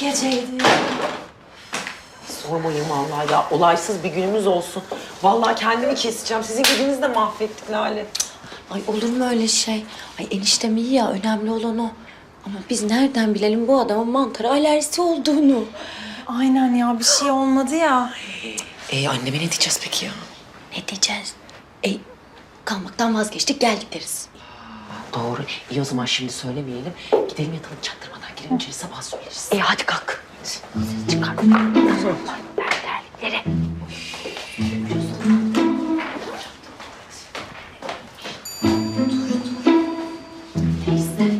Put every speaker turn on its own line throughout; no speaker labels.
geceydi.
Sormayın vallahi ya. Olaysız bir günümüz olsun. Vallahi kendimi keseceğim. Sizin gecenizi de mahvettik Lale.
Ay olur mu öyle şey? Ay eniştem iyi ya, önemli olan o. Ama biz nereden bilelim bu adamın mantara alerjisi olduğunu?
Aynen ya, bir şey olmadı ya.
Anneme ne diyeceğiz peki ya?
Ne diyeceğiz? Kalmaktan vazgeçtik, geldik deriz.
Doğru. İyi o zaman şimdi söylemeyelim. Gidelim yatalım çaktırmadan. Girelim içeri sabah söyleriz.
Hadi kalk. Ses çıkar. Terlikleri. Neyse.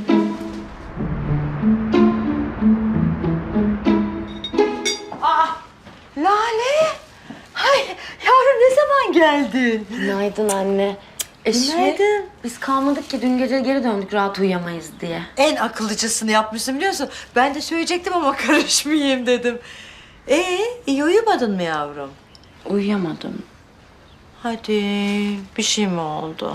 Lale! Ay yavrum, ne zaman geldin?
Günaydın anne.
Günaydın.
Biz kalmadık ki, dün gece geri döndük rahat uyuyamayız diye.
En akıllıcasını yapmışsın biliyorsun. Ben de söyleyecektim ama karışmayayım dedim. İyi uyumadın mı yavrum?
Uyuyamadım.
Hadi, bir şey mi oldu?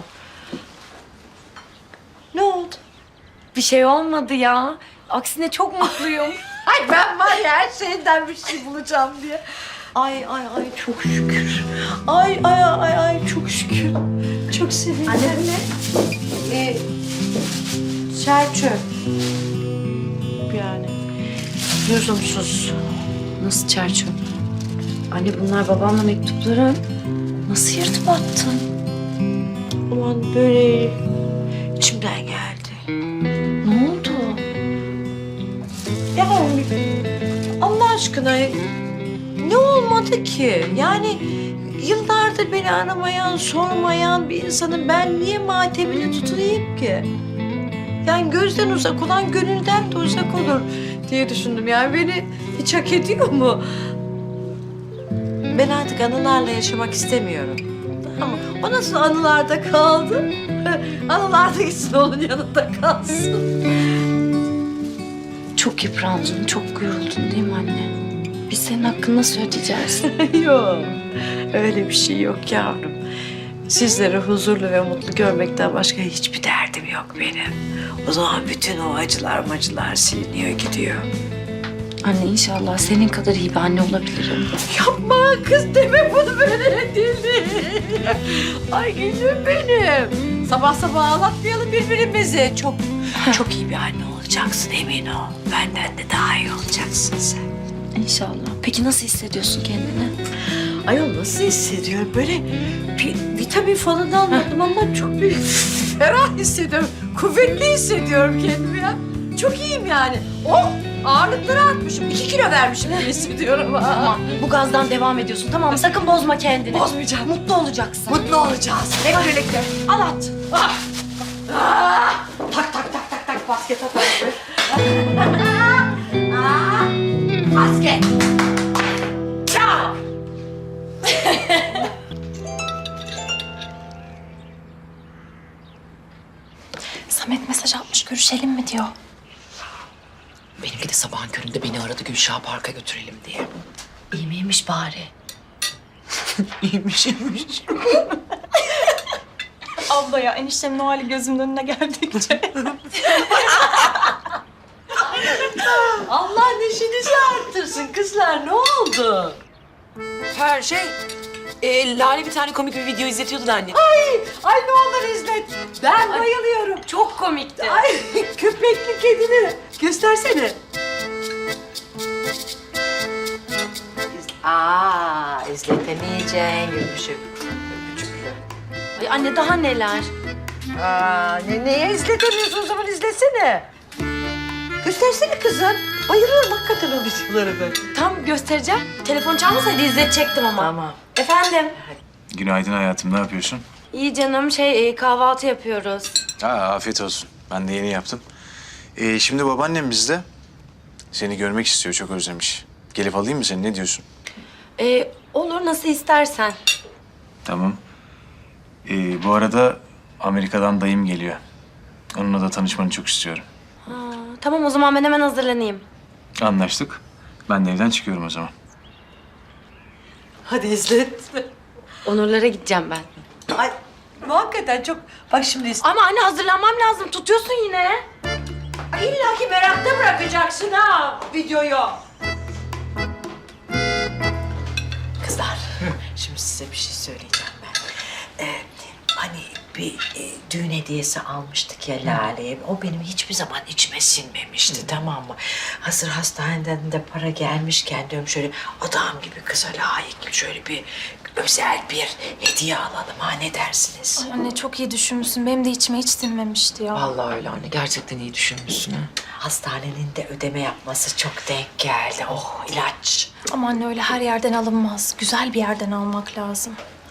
Ne oldu?
Bir şey olmadı ya. Aksine çok mutluyum.
Ay ben var ya, her şeyden bir şey bulacağım diye. Ay çok şükür. Ay çok şükür. Çok sevindim.
Anne ne?
Çerçöp. Yani lüzumsuz.
Nasıl çerçöp? Anne bunlar babamla mektupları. Nasıl yırtıp attın?
Aman böyle içimden geldi.
Ne oldu?
Ya Allah aşkına ne olmadı ki? Yani yıllardır beni aramayan, sormayan bir insanın ben niye matemini tutunayım ki? Yani gözden uzak olan gönülden de uzak olur diye düşündüm. Yani beni hiç hak ediyor mu? Ben artık anılarla yaşamak istemiyorum. Ama o nasıl anılarda kaldı? Anılarda gitsin, onun yanında kalsın.
Çok yıprandın, çok yoruldun değil mi anne? Biz senin hakkını nasıl ödeyeceğiz?
Yok, öyle bir şey yok yavrum. Sizleri huzurlu ve mutlu görmekten başka hiçbir derdim yok benim. O zaman bütün o acılar siliniyor gidiyor.
Anne inşallah senin kadar iyi bir anne olabilirim.
Yapma kız, deme bunu, böyle deli. Ay gülüm benim. Sabah sabah ağlatmayalım birbirimizi. Çok iyi bir anne olacaksın, emin ol. Benden de daha iyi olacaksın sen.
İnşallah. Peki nasıl hissediyorsun kendini?
Ayol nasıl hissediyorum? Böyle bir vitamin falan almadım ama çok bir ferah hissediyorum. Kuvvetli hissediyorum kendimi ya. Çok iyiyim yani. Oh! Ağırlıkları artmışım. 2 kilo vermişim gibi hissediyorum.
Tamam, bu gazdan devam ediyorsun. Tamam mı? Sakın bozma kendini.
Bozmayacağım.
Mutlu olacaksın.
Mutlu olacağız. Hep birlikte. Al at. Ah! Ah! Tak basket at. Ah! Basket. Çak.
Samet mesaj atmış, görüşelim mi diyor.
Benimki de sabahın köründe beni aradı Gülşah Park'a götürelim diye.
İyi miymiş bari?
İyiymiş.
Abla ya, eniştemin o hali gözümün önüne geldikçe.
Allah neşenizi arttırsın kızlar. Ne oldu?
Her şey... Lale bir tane komik bir video izletiyordu da anne.
Ay ne olur izlet. Ben bayılıyorum.
Çok komikti.
Ay köpekli kedini. Göstersene. İzletemeyeceğin gülmüşüm.
Ay anne daha neler?
Neye izletemiyorsun o zaman, izlesene. Göstersene kızım. Bayılıyorum hakikaten o videolara ben.
Tam göstereceğim. Telefon çalmasaydı izletecektim ama.
Tamam.
Efendim?
Günaydın hayatım, ne yapıyorsun?
İyi canım, kahvaltı yapıyoruz.
Afiyet olsun. Ben de yeni yaptım. Şimdi babaannem bizde. Seni görmek istiyor, çok özlemiş. Gelip alayım mı seni, ne diyorsun?
Olur, nasıl istersen.
Tamam. Bu arada Amerika'dan dayım geliyor. Onunla da tanışmanı çok istiyorum.
Tamam, o zaman ben hemen hazırlanayım.
Anlaştık. Ben de evden çıkıyorum o zaman.
Hadi izlet.
Onurlara gideceğim ben.
Ay hakikaten çok... Bak şimdi
Ama anne hazırlanmam lazım. Tutuyorsun yine.
İlla ki merakta bırakacaksın ha videoyu. Şimdi size bir şey söyleyeceğim ben. Hani bir düğün hediyesi almıştık ya Lale'ye. O benim hiçbir zaman içime sinmemişti, tamam mı? Hazır hastaneden de para gelmişken diyorum şöyle adam gibi kıza layık şöyle bir özel bir hediye alalım, ha, ne dersiniz?
Ay anne çok iyi düşünmüşsün. Benim de içime hiç sinmemişti ya.
Vallahi öyle anne. Gerçekten iyi düşünmüşsün ha.
Hastanenin de ödeme yapması çok denk geldi. Oh, ilaç.
Ama anne öyle her yerden alınmaz. Güzel bir yerden almak lazım.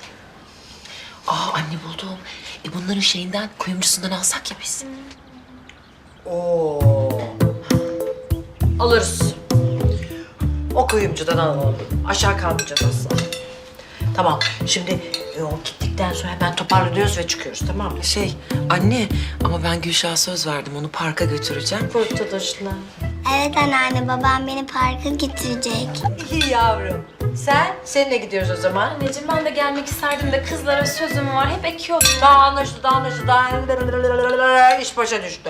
Anne buldum. Bunların şeyinden, kuyumcusundan alsak ya biz.
Oo. Alırız. O kuyumcudan alalım. Aşağı kalmayacağız asla. Tamam, şimdi o gittikten sonra hemen toparlanıyoruz ve çıkıyoruz, tamam mı?
Anne ama ben Gülşah'a söz verdim. Onu parka götüreceğim.
Kurtuluşla.
Evet anneanne, babam beni parka götürecek.
İyi yavrum. Seninle gidiyoruz o zaman.
Anneciğim ben de gelmek isterdim de kızlara sözüm var. Hep ekiyordum.
Daha anlaşıldı. İş başa düştü.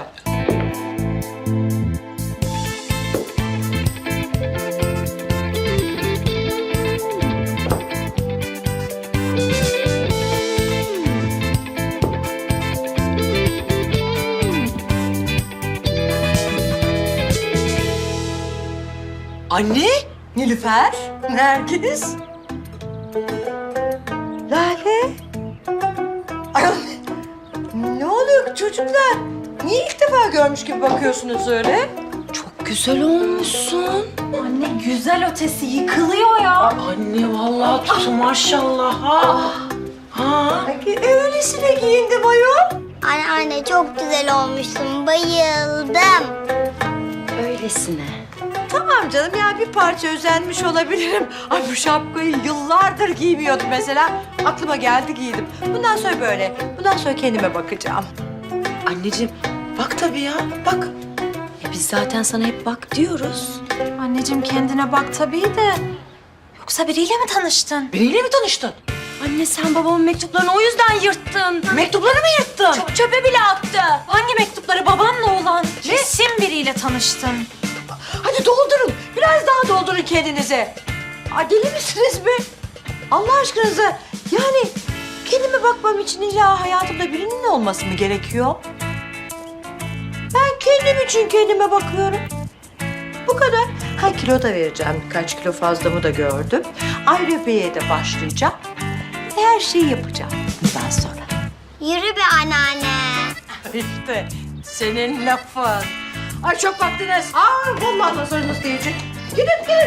Anne, Nilüfer, Nergis, Lale. Ay, ne oluyor çocuklar? Niye ilk defa görmüş gibi bakıyorsunuz öyle?
Çok güzel olmuşsun.
Anne güzel ötesi yıkılıyor ya.
Anne vallahi tuttu maşallah ha.
Öylesine giyindim ayol.
Anneanne çok güzel olmuşsun, bayıldım.
Öylesine.
Tamam canım ya, bir parça özenmiş olabilirim. Ay bu şapkayı yıllardır giymiyordum mesela. Aklıma geldi giydim. Bundan sonra böyle. Bundan sonra kendime bakacağım.
Anneciğim bak tabii ya bak.
Biz zaten sana hep bak diyoruz.
Anneciğim kendine bak tabii de. Yoksa biriyle mi tanıştın?
Biriyle mi tanıştın?
Anne sen babamın mektuplarını o yüzden yırttın.
Mektupları mı yırttın?
Çöpe bile attı. Hangi mektupları babanla olan? Kesin biriyle tanıştın.
Hadi doldurun. Biraz daha doldurun kendinize. Aa, deli misiniz be? Allah aşkınıza. Yani kendime bakmam için illa hayatımda birinin olması mı gerekiyor? Ben kendim için kendime bakıyorum. Bu kadar. Ha, kilo da vereceğim. Birkaç kilo fazlamı da gördüm. Aerobik'e de başlayacağım. Her şeyi yapacağım bundan sonra.
Yürü be anneanne.
İşte senin lafın. Ay çok vaktiniz. Vallahi nazarınız diyecek. Gidin.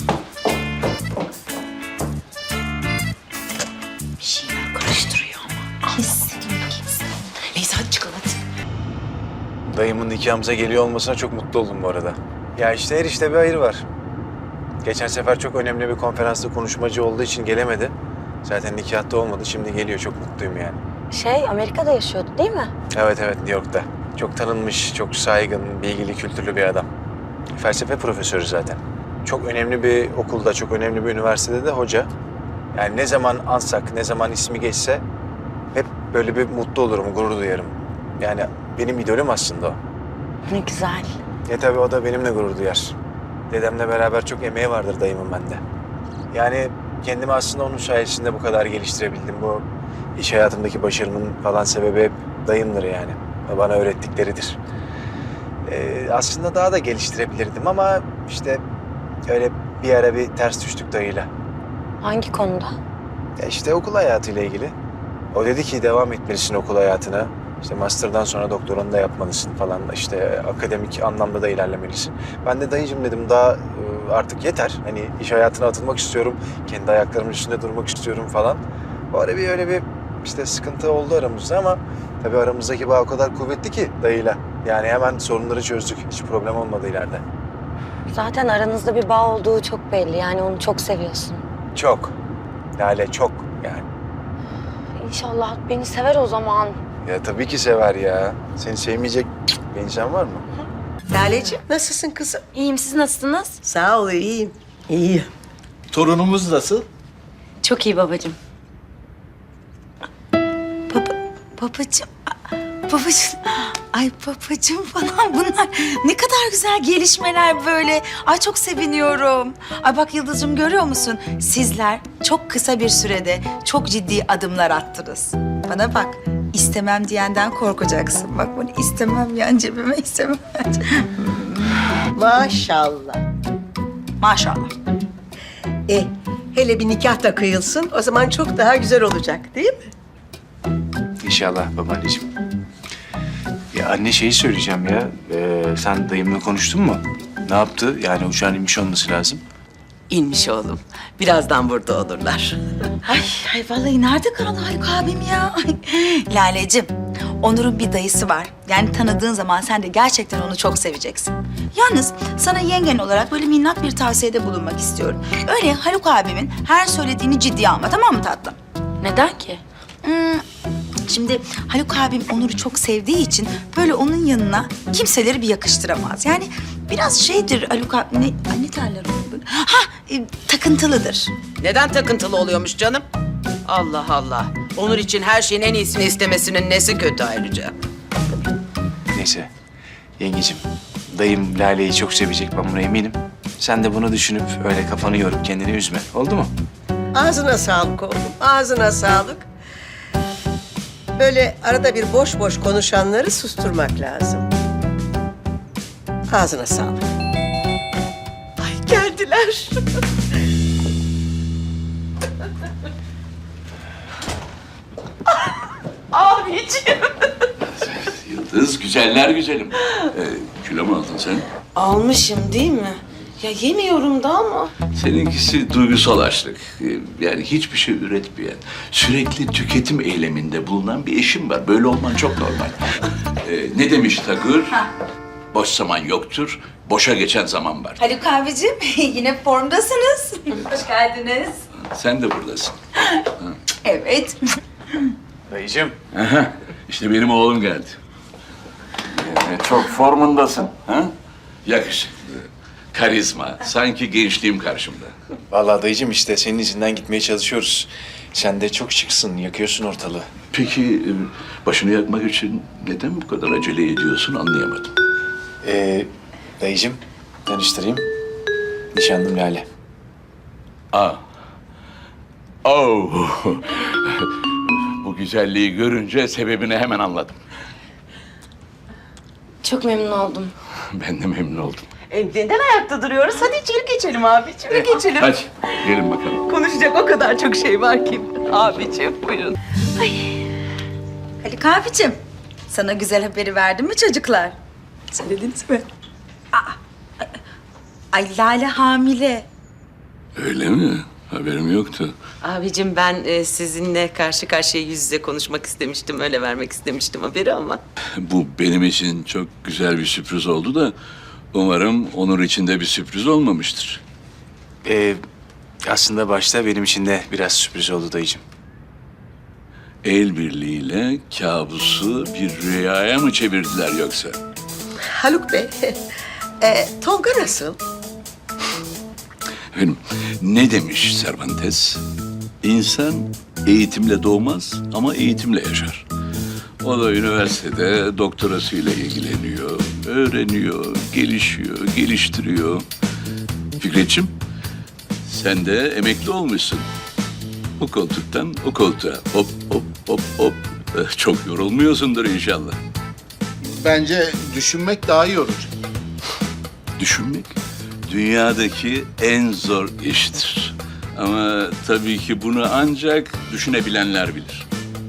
Bir şeyler karıştırıyor ama.
Kesin.
Neyse hadi çıkalım hadi.
Dayımın nikahımıza geliyor olmasına çok mutlu oldum bu arada. Ya işte her işte bir hayır var. Geçen sefer çok önemli bir konferansta konuşmacı olduğu için gelemedi. Zaten nikahta olmadı. Şimdi geliyor. Çok mutluyum yani.
Amerika'da yaşıyordu değil mi?
Evet New York'ta. Çok tanınmış, çok saygın, bilgili, kültürlü bir adam. Felsefe profesörü zaten. Çok önemli bir okulda, çok önemli bir üniversitede de hoca. Yani ne zaman ansak, ne zaman ismi geçse hep böyle bir mutlu olurum, gurur duyarım. Yani benim idolüm aslında o.
Ne güzel.
Tabii o da benimle gurur duyar. Dedemle beraber çok emeği vardır dayımın bende. Yani kendimi aslında onun sayesinde bu kadar geliştirebildim. Bu iş hayatımdaki başarımın falan sebebi hep dayımdır yani. Bana öğrettikleridir. Aslında daha da geliştirebilirdim ama işte öyle bir ara bir ters düştük dayıyla.
Hangi konuda?
Ya işte okul hayatıyla ilgili. O dedi ki devam etmelisin okul hayatına. İşte master'dan sonra doktoranı da yapmalısın falan. İşte akademik anlamda da ilerlemelisin. Ben de dayıcım dedim daha artık yeter. Hani iş hayatına atılmak istiyorum. Kendi ayaklarımın üstünde durmak istiyorum falan. O ara bir öyle bir işte sıkıntı oldu aramızda ama tabii aramızdaki bağ o kadar kuvvetli ki dayıyla. Yani hemen sorunları çözdük. Hiç problem olmadı ileride.
Zaten aranızda bir bağ olduğu çok belli. Yani onu çok seviyorsun.
Çok. Lale çok yani.
İnşallah beni sever o zaman.
Ya tabii ki sever ya. Seni sevmeyecek bir insan var mı?
Laleciğim nasılsın kızım?
İyiyim, siz nasılsınız?
Sağ ol, iyiyim. İyiyim.
Torunumuz nasıl?
Çok iyi babacığım. Babacığım.
babacığım. Ay babacığım falan bunlar ne kadar güzel gelişmeler böyle. Ay çok seviniyorum. Ay bak Yıldız'cığım görüyor musun? Sizler çok kısa bir sürede çok ciddi adımlar attınız. Bana bak istemem diyenden korkacaksın. Bak bunu istemem yan cebime istemem.
Maşallah.
Maşallah.
Hele bir nikah da kıyılsın. O zaman çok daha güzel olacak değil mi?
İnşallah babaanneciğim. Ya anne şeyi söyleyeceğim ya. Sen dayımla konuştun mu? Ne yaptı? Yani uçağın inmiş olması lazım.
İnmiş oğlum. Birazdan burada olurlar.
Ay vallahi nerede kaldı Haluk abim ya? Ay, Lale'cim, Onur'un bir dayısı var. Yani tanıdığın zaman sen de gerçekten onu çok seveceksin. Yalnız sana yengen olarak böyle minnak bir tavsiyede bulunmak istiyorum. Öyle Haluk abimin her söylediğini ciddiye alma, tamam mı tatlım?
Neden ki?
Şimdi Haluk abim Onur'u çok sevdiği için böyle onun yanına kimseleri bir yakıştıramaz. Yani biraz şeydir Haluk abi, ne derler ona böyle? Takıntılıdır.
Neden takıntılı oluyormuş canım? Allah Allah. Onur için her şeyin en iyisini istemesinin nesi kötü ayrıca?
Neyse. Yengecim, dayım Lale'yi çok sevecek, ben buna eminim. Sen de bunu düşünüp öyle kafanı yorup kendini üzme. Oldu mu?
Ağzına sağlık oğlum. Ağzına sağlık. Böyle arada bir boş boş konuşanları susturmak lazım. Ağzına sağlık.
Ay geldiler. Abiciğim.
Yıldız, güzeller güzelim. Kilo mu aldın sen?
Almışım değil mi? Ya yemiyorum da ama.
Seninkisi duygusal açlık. Yani hiçbir şey üretmeyen, sürekli tüketim eyleminde bulunan bir eşim var. Böyle olman çok normal. Ne demiş Takır? Boş zaman yoktur, boşa geçen zaman var.
Haluk abicim yine formdasınız. Hoş geldiniz.
Sen de buradasın.
Evet.
Dayıcığım.
Aha, işte benim oğlum geldi. Çok formundasın. Ha? Yakışıklı, karizma, sanki gençliğim karşımda.
Vallahi dayıcığım işte senin izinden gitmeye çalışıyoruz. Sen de çok şıksın, yakıyorsun ortalığı.
Peki başını yakmak için neden bu kadar acele ediyorsun anlayamadım.
Dayıcığım, tanıştırayım. Nişanlım Lale.
Aa. Oh. Bu güzelliği görünce sebebini hemen anladım.
Çok memnun oldum.
Ben de memnun oldum.
Neden ayakta duruyoruz? Hadi içeri geçelim abi. İçeri geçelim.
Hadi gelin bakalım.
Konuşacak o kadar çok şey var ki. Abiciğim buyurun.
Haluk abicim, sana güzel haberi verdim mi çocuklar? Söylediniz mi? Ay Lale hamile.
Öyle mi? Haberim yoktu.
Abicim ben sizinle karşı karşıya yüz yüze konuşmak istemiştim. Öyle vermek istemiştim haberi ama.
Bu benim için çok güzel bir sürpriz oldu da umarım Onur için de bir sürpriz olmamıştır.
Aslında başta benim için de biraz sürpriz oldu dayıcığım.
El birliğiyle kabusu bir rüyaya mı çevirdiler yoksa?
Haluk Bey, Tolga nasıl?
Efendim, ne demiş Cervantes? İnsan eğitimle doğmaz ama eğitimle yaşar. O da üniversitede doktorasıyla ilgileniyor, öğreniyor, gelişiyor, geliştiriyor. Fikretciğim, sen de emekli olmuşsun. O koltuktan o koltuğa hop hop hop hop. Çok yorulmuyorsundur inşallah.
Bence düşünmek daha iyi olacak.
Düşünmek dünyadaki en zor iştir. Ama tabii ki bunu ancak düşünebilenler bilir.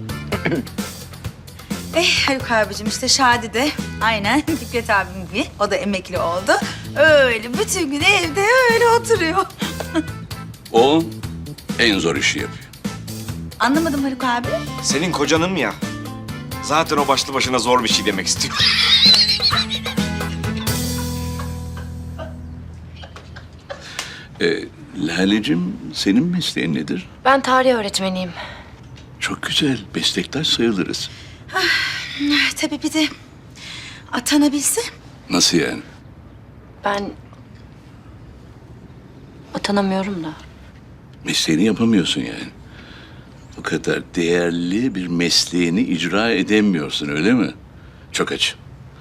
Haluk abicim işte Şadi de aynen Fikret abim gibi. O da emekli oldu. Öyle bütün gün evde öyle oturuyor.
O en zor işi yapıyor.
Anlamadım Haluk abi.
Senin kocanım ya. Zaten o başlı başına zor bir şey demek istiyor.
Lale'cim senin mesleğin nedir?
Ben tarih öğretmeniyim.
Çok güzel, meslektaş sayılırız.
Tabii bir de atanabilse.
Nasıl yani?
Ben atanamıyorum da.
Mesleğini yapamıyorsun yani. O kadar değerli bir mesleğini icra edemiyorsun öyle mi? Çok acı.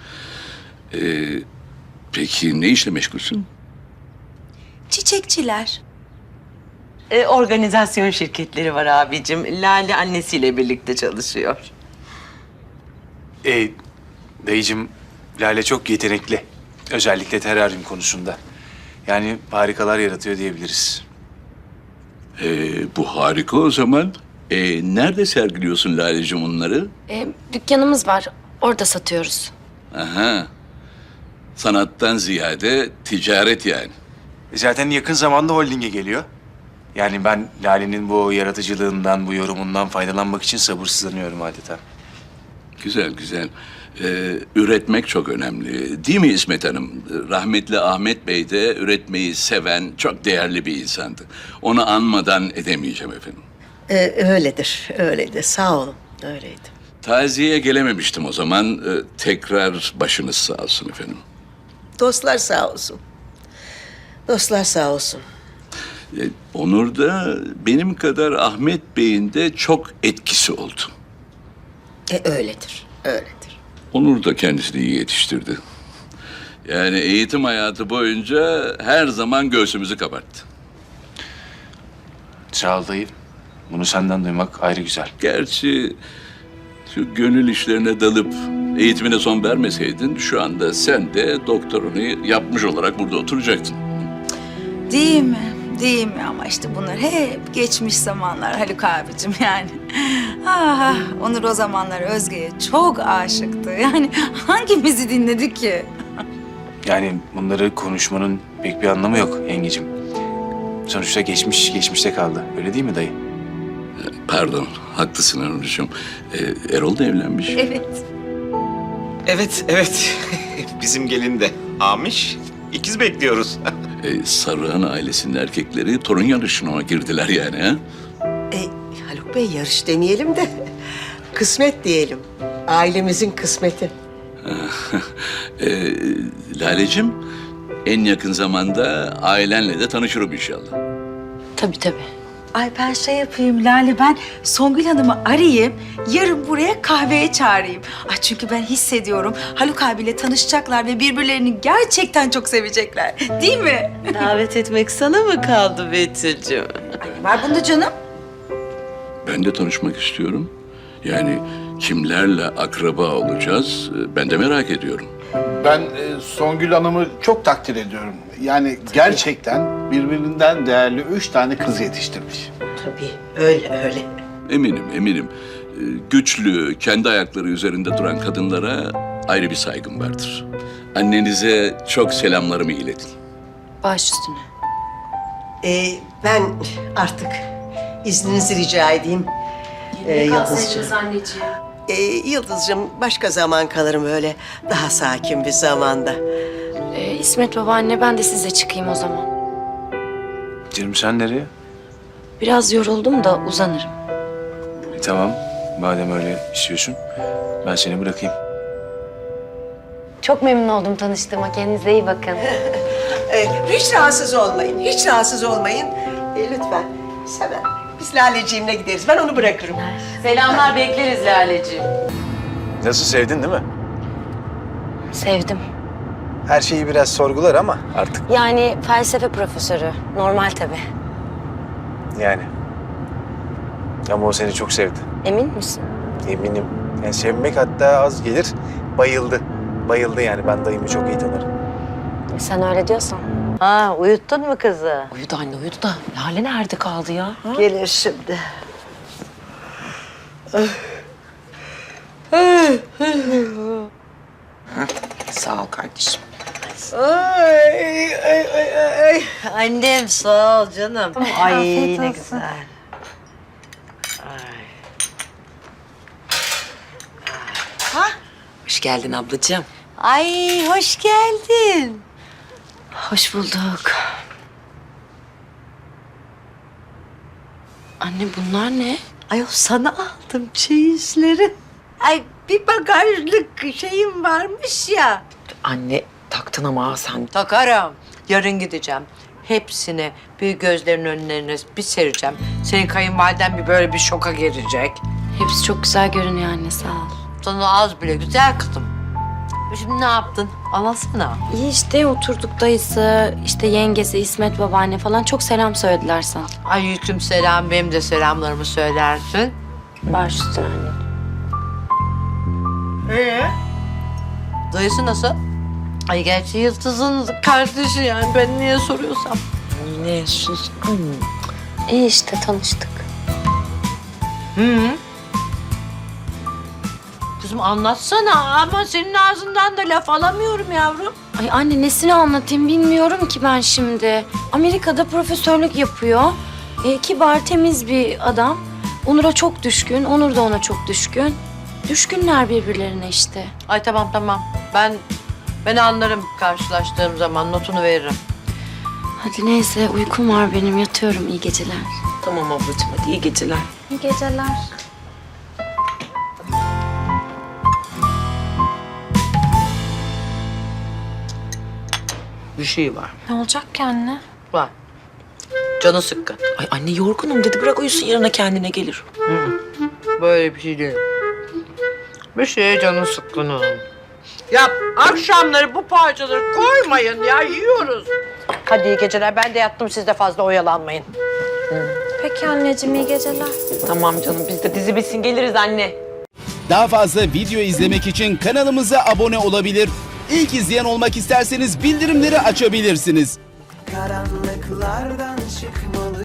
Peki ne işle meşgulsün?
Çiçekçiler.
Organizasyon şirketleri var abicim. Lale annesiyle birlikte çalışıyor.
Dayıcığım, Lale çok yetenekli. Özellikle teraryum konusunda. Yani harikalar yaratıyor diyebiliriz.
Bu harika o zaman. Nerede sergiliyorsun Lale'cim onları?
Dükkanımız var. Orada satıyoruz.
Aha. Sanattan ziyade ticaret yani.
Zaten yakın zamanda holdinge geliyor. Yani ben Lale'nin bu yaratıcılığından, bu yorumundan faydalanmak için sabırsızlanıyorum adeta.
Güzel, güzel. Üretmek çok önemli. Değil mi İsmet Hanım? Rahmetli Ahmet Bey de üretmeyi seven, çok değerli bir insandı. Onu anmadan edemeyeceğim efendim.
Öyledir, öyledir. Sağ olun, öyleydi.
Taziyeye gelememiştim o zaman. Tekrar başınız sağ olsun efendim.
Dostlar sağ olsun. Dostlar sağ olsun.
Onur da benim kadar Ahmet Bey'in de çok etkisi oldu.
Öyledir, öyledir.
Onur da kendisini iyi yetiştirdi. Yani eğitim hayatı boyunca her zaman göğsümüzü kabarttı.
Sağ ol dayı. Bunu senden duymak ayrı güzel.
Gerçi şu gönül işlerine dalıp eğitimine son vermeseydin şu anda sen de doktorunu yapmış olarak burada oturacaktın.
Değil mi? Değil mi? Ama işte bunlar hep geçmiş zamanlar Haluk abicim yani. Ah, Onur o zamanlar Özge'ye çok aşıktı. Yani hangimizi dinledi ki?
Yani bunları konuşmanın pek bir anlamı yok yengecim. Sonuçta geçmiş geçmişte kaldı. Öyle değil mi dayı?
Pardon, haklısın Onurcuğum. Erol da evlenmiş.
Evet.
Evet. Bizim gelin de Amiş. İkiz bekliyoruz.
Sarıhan ailesinin erkekleri torun yarışına girdiler yani ha?
Haluk Bey yarış demeyelim de kısmet diyelim. Ailemizin kısmeti.
Lalecim, en yakın zamanda ailenle de tanışırım inşallah.
Tabii tabii.
Ay ben şey yapayım Lale, ben Songül Hanım'ı arayayım, yarın buraya kahveye çağırayım. Ay çünkü ben hissediyorum Haluk abiyle tanışacaklar ve birbirlerini gerçekten çok sevecekler. Değil mi?
Davet etmek sana mı kaldı Betül'cüğüm?
Var bunda canım.
Ben de tanışmak istiyorum. Yani kimlerle akraba olacağız ben de merak ediyorum.
Ben Songül Hanım'ı çok takdir ediyorum. Yani gerçekten birbirinden değerli 3 tane kız yetiştirmiş.
Tabii, öyle.
Eminim. Güçlü, kendi ayakları üzerinde duran kadınlara ayrı bir saygım vardır. Annenize çok selamlarımı iletin.
Baş üstüne.
Ben artık izninizi rica edeyim. Yıldızcığım.
anneciğim.
Yıldızcığım başka zaman kalırım öyle daha sakin bir zamanda.
İsmet babaanne ben de size çıkayım o zaman.
Canım sen nereye?
Biraz yoruldum da uzanırım.
Tamam. Madem öyle istiyorsun ben seni bırakayım.
Çok memnun oldum tanıştığıma. Kendinize iyi bakın.
Hiç rahatsız olmayın, hiç rahatsız olmayın. Lütfen, Sever. Biz Laleciğimle gideriz, ben onu bırakırım.
Selamlar bekleriz Laleciğim.
Nasıl, sevdin değil mi?
Sevdim.
Her şeyi biraz sorgular ama artık
Yani felsefe profesörü. Normal tabii.
yani. Ama o seni çok sevdi.
Emin misin?
Eminim. Yani sevmek hatta az gelir. Bayıldı. Bayıldı yani. Ben dayımı çok iyi tanırım.
Sen öyle diyorsan.
Ha, uyuttun mu kızı?
Uyudu anne uyudu da Lale nerede kaldı ya? Ha?
Gelir şimdi.
Sağ ol kardeşim.
Ay. Annem sağ ol canım. Ay
Afiyet
ne
olsun.
güzel.
Hoş geldin ablacığım.
Ay hoş geldin.
Hoş bulduk. Anne bunlar ne?
Ay sana aldım çeyizleri. Ay bir bagajlık şeyim varmış ya.
Anne taktın ama ha sen.
Takarım. Yarın gideceğim. Hepsini bir gözlerinin önlerine bir sereceğim. Senin kayınvaliden bir böyle bir şoka girecek.
Hepsi çok güzel görünüyor anne sağ ol.
Sana az bile güzel kızım.
Şimdi ne yaptın? Anlatsana.
İyi işte oturduk dayısı, işte yengesi, İsmet babaanne falan çok selam söylediler sana.
Aleyküm selam. Benim de selamlarımı söylersin.
Baş üstüne anne.
Dayısı nasıl? Ay gerçi Yıldız'ın kardeşi yani. Ben niye soruyorsam.
Ne sus.
İyi işte tanıştık.
Kızım anlatsana ama senin ağzından da laf alamıyorum yavrum.
Ay anne nesini anlatayım bilmiyorum ki ben şimdi. Amerika'da profesörlük yapıyor. Kibar, temiz bir adam. Onur'a çok düşkün, Onur da ona çok düşkün. Düşkünler birbirlerine işte.
Ay tamam. Ben anlarım karşılaştığım zaman notunu veririm.
Hadi neyse uykum var benim yatıyorum iyi geceler.
Tamam ablacığım hadi iyi geceler.
İyi geceler.
Bir şey var.
Ne olacak ki anne?
Var. Canı sıkkın.
Ay anne yorgunum dedi bırak uyusun yarına kendine gelir.
Böyle bir şey değil. Bir şeye canı sıkkın onun. Ya akşamları bu parçaları koymayın ya yiyoruz. Hadi iyi geceler. Ben de yattım siz de fazla oyalanmayın.
Peki anneciğim iyi geceler.
Tamam canım biz de dizi bitsin geliriz anne.
Daha fazla video izlemek için kanalımıza abone olabilir. İlk izleyen olmak isterseniz bildirimleri açabilirsiniz.
Karanlıklardan çıkmalı